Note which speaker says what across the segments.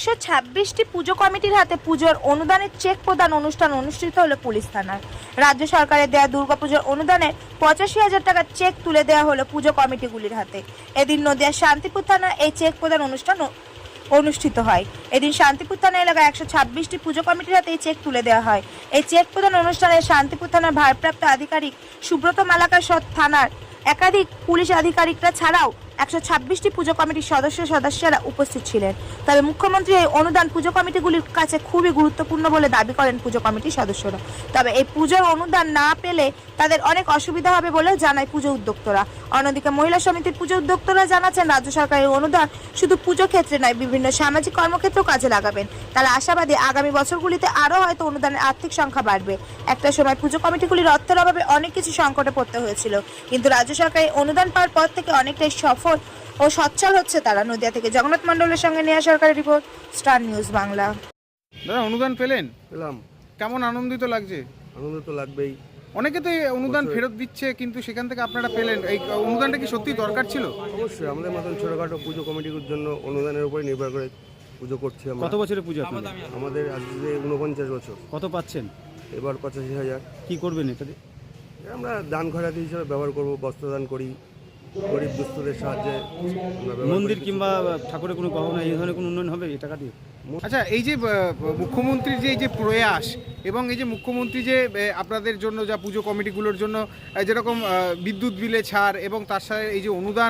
Speaker 1: 126টি পুজো কমিটির হাতে পুজোর অনুদানের চেক প্রদান অনুষ্ঠান অনুষ্ঠিত হলো পুলিশ থানায়। রাজ্য সরকারের দেওয়া দুর্গাপুজোর অনুদানের 85,000 টাকার চেক তুলে দেওয়া হলো পুজো কমিটিগুলির হাতে। এদিন নদিয়ার শান্তিপুর থানায় এই চেক প্রদান অনুষ্ঠান অনুষ্ঠিত হয়। এদিন শান্তিপুর থানা এলাকায় 126টি পুজো কমিটির হাতে এই চেক তুলে দেওয়া হয়। এই চেক প্রদান অনুষ্ঠানে শান্তিপুর থানার ভারপ্রাপ্ত আধিকারিক সুব্রত মালাকার থানার একাধিক পুলিশ আধিকারিকরা ছাড়াও 126টি পুজো কমিটির সদস্যরা উপস্থিত ছিলেন। তবে মুখ্যমন্ত্রী এই অনুদান পুজো কমিটিগুলির কাছে খুবই গুরুত্বপূর্ণ বলে দাবি করেন পুজো কমিটির সদস্যরা। তবে এই পুজোর অনুদান না পেলে তাদের অনেক অসুবিধা হবে বলেও জানায় পুজো উদ্যোক্তারা। অন্যদিকে মহিলা সমিতির পুজো উদ্যোক্তারা জানাচ্ছেন রাজ্য সরকারের অনুদান শুধু পুজো ক্ষেত্রে নয়, বিভিন্ন সামাজিক কর্মক্ষেত্রেও কাজে লাগাবেন। তারা আশাবাদী আগামী বছরগুলিতে আরও হয়তো অনুদানের আর্থিক সংখ্যা বাড়বে। একটা সময় পুজো কমিটিগুলির অর্থের অভাবে অনেক কিছু সংকটে পড়তে হয়েছিল, কিন্তু রাজ্য সরকারের অনুদান পাওয়ার পর থেকে অনেকটাই সফল ও সচ্ছল হচ্ছে তারা। নদিয়া থেকে জগন্নাথ মণ্ডলের সঙ্গে নেহা সরকারের রিপোর্ট, স্টার নিউজ বাংলা।
Speaker 2: দাদা, অনুদান পেলেন?
Speaker 3: পেলাম।
Speaker 2: কেমন আনন্দিত লাগছে?
Speaker 3: আনন্দ তো লাগবেই।
Speaker 2: অনেকে তো এই অনুদান ফেরত দিচ্ছে, কিন্তু সেখান থেকে আপনারা পেলেন, এই অনুদানটা কি সত্যি দরকার ছিল?
Speaker 3: অবশ্যই আমাদের মতন ছোটোখাটো পুজো কমিটির জন্য অনুদানের উপরে নির্ভর করে পুজো করছি আমরা।
Speaker 4: কত বছরের পুজো আপনাদের?
Speaker 3: আমাদের আজকে 49 বছর।
Speaker 4: কত পাচ্ছেন?
Speaker 3: এবার 85,000।
Speaker 4: কি করবেন এটাতে?
Speaker 3: আমরা দান খয়রাতি হিসেবে ব্যবহার করব, বস্ত্রদান করি, গরিব দুস্থদের সাহায্যে আমরা ব্যবহার
Speaker 4: মন্দির
Speaker 3: করি।
Speaker 4: কিংবা ঠাকুরের কোনো গহনা এই ধরনের কোনো উন্নয়ন হবে এই টাকা দিয়ে?
Speaker 2: আচ্ছা, এই যে মুখ্যমন্ত্রীর যে এই যে প্রয়াস এবং এই যে মুখ্যমন্ত্রী যে আপনাদের জন্য যা পুজো কমিটিগুলোর জন্য যেরকম বিদ্যুৎ বিলে ছাড় এবং তার সাথে এই যে অনুদান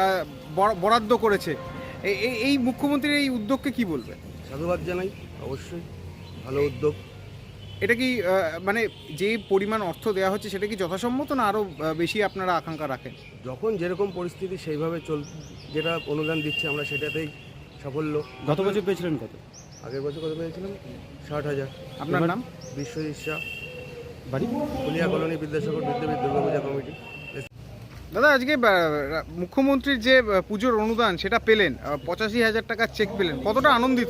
Speaker 2: বরাদ্দ করেছে, এই মুখ্যমন্ত্রীর এই উদ্যোগকে কি বলবেন?
Speaker 3: সাধুবাদ জানাই, অবশ্যই ভালো উদ্যোগ।
Speaker 2: এটা কি মানে যে পরিমাণ অর্থ দেওয়া হচ্ছে সেটা কি যথাসম্মত, না আরও বেশি আপনারা আকাঙ্ক্ষা রাখেন?
Speaker 3: যখন যেরকম পরিস্থিতি সেইভাবে যেটা অনুদান দিচ্ছে আমরা সেটাতেই সাফল্য।
Speaker 4: গত বছর পেয়েছিলেন কত?
Speaker 3: আগের বছর কত পেয়েছিলাম? 60,000।
Speaker 2: আপনার নাম?
Speaker 3: বিশ্বজিৎ শাহ,
Speaker 4: বাড়ি
Speaker 3: ফুলিয়া কলোনি, বিদ্যাসাগর বিদ্যাপীঠ দুর্গাপূজা কমিটি।
Speaker 2: দাদা, আজকে মুখ্যমন্ত্রীর যে পুজোর অনুদান সেটা পেলেন, 85,000 টাকার চেক পেলেন, কতটা আনন্দিত?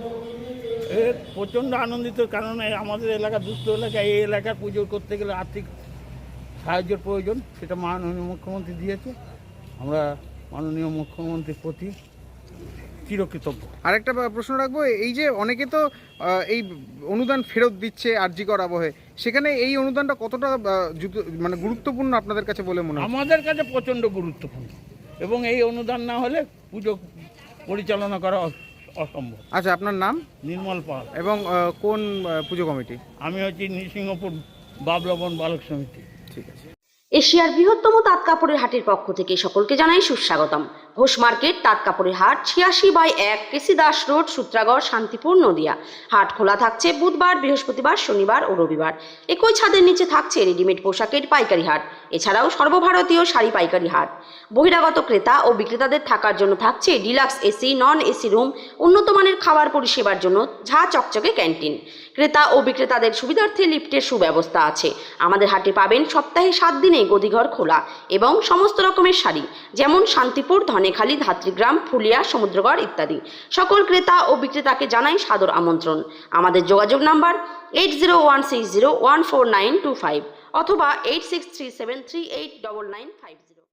Speaker 5: প্রচণ্ড আনন্দিত, কারণ আমাদের এলাকা দুস্থ এলাকা, এই এলাকার পুজো করতে গেলে আর্থিক সাহায্যের প্রয়োজন, সেটা মাননীয় মুখ্যমন্ত্রী দিয়েছে। আমরা মাননীয় মুখ্যমন্ত্রীর প্রতি চিরকৃতজ্ঞ।
Speaker 2: আরেকটা প্রশ্ন রাখবো, এই যে অনেকে তো এই অনুদান ফেরত দিচ্ছে আরজিকর আবহে, সেখানে এই অনুদানটা কতটা মানে গুরুত্বপূর্ণ আপনাদের কাছে বলে মনে হয়?
Speaker 5: আমাদের কাছে প্রচণ্ড গুরুত্বপূর্ণ, এবং এই অনুদান না হলে পুজো পরিচালনা করা অসম্ভব।
Speaker 2: আচ্ছা, আপনার নাম?
Speaker 5: নির্মল পাল।
Speaker 2: এবং কোন পুজো কমিটি?
Speaker 5: আমি হচ্ছি নৃসিংহপুর বাবলবন বালক সমিতি।
Speaker 2: ঠিক আছে।
Speaker 6: এশিয়ার বৃহত্তম তাঁত কাপড়ের হাটের পক্ষ থেকে সকলকে জানাই সুস্বাগতম। ঘোষ মার্কেট তাঁত কাপড়ের হাট, 86/1 কেসি দাস রোড, সূত্রাগড়, শান্তিপুর, নদিয়া। হাট খোলা থাকছে বুধবার, বৃহস্পতিবার, শনিবার ও রবিবার। একই ছাদের নিচে থাকছে রেডিমেড পোশাকের পাইকারি হাট, এছাড়াও সর্বভারতীয় শাড়ি পাইকারি হাট। বহিরাগত ক্রেতা ও বিক্রেতাদের থাকার জন্য থাকছে deluxe AC, non AC room, উন্নত মানের খাবার পরিষেবার জন্য ঝা চকচকে ক্যান্টিন। ক্রেতা ও বিক্রেতাদের সুবিধার্থে লিফটের সুব্যবস্থা আছে। আমাদের হাটে পাবেন সপ্তাহে 7 দিনে গদিঘর খোলা এবং সমস্ত রকমের শাড়ি, যেমন শান্তিপুর, ধনেখালি, ধাত্রীগ্রাম, ফুলিয়া, সমুদ্রগড় ইত্যাদি। সকল ক্রেতা ও বিক্রেতাকে জানাই সাদর আমন্ত্রণ। আমাদের যোগাযোগ নাম্বার 8016014925 অথবা 8637389950।